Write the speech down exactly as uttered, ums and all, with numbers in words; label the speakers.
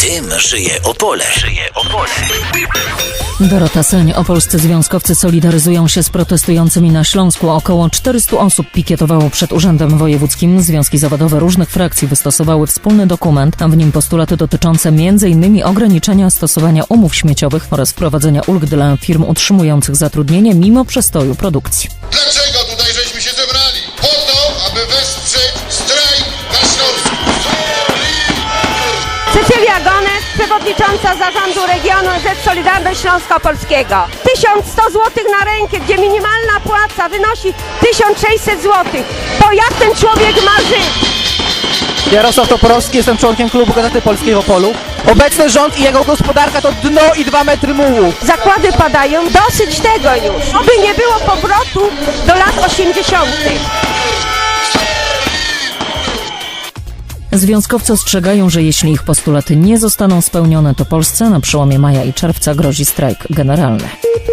Speaker 1: Tym żyje Opole. Żyje Opole.
Speaker 2: Dorota Seń. Opolscy związkowcy solidaryzują się z protestującymi na Śląsku. Około czterystu osób pikietowało przed Urzędem Wojewódzkim. Związki zawodowe różnych frakcji wystosowały wspólny dokument, a w nim postulaty dotyczące m in ograniczenia stosowania umów śmieciowych oraz wprowadzenia ulg dla firm utrzymujących zatrudnienie mimo przestoju produkcji.
Speaker 3: Dlaczego tutaj żeśmy się zebrali? Po to, aby wesprzeć strajk na Śląsku.
Speaker 4: Cecilia Gonet, przewodnicząca zarządu regionu Z Solidarność Śląska Opolskiego. tysiąc sto złotych na rękę, gdzie minimalna płaca wynosi tysiąc sześćset złotych. Bo jak ten człowiek ma żyć?
Speaker 5: Jarosław Toporowski, jestem członkiem klubu Gazety Polskiej w Opolu. Obecny rząd i jego gospodarka to dno i dwa metry mułu.
Speaker 4: Zakłady padają, dosyć tego już. Oby nie było powrotu do lat osiemdziesiątych.
Speaker 2: Związkowcy ostrzegają, że jeśli ich postulaty nie zostaną spełnione, to Polsce na przełomie maja i czerwca grozi strajk generalny.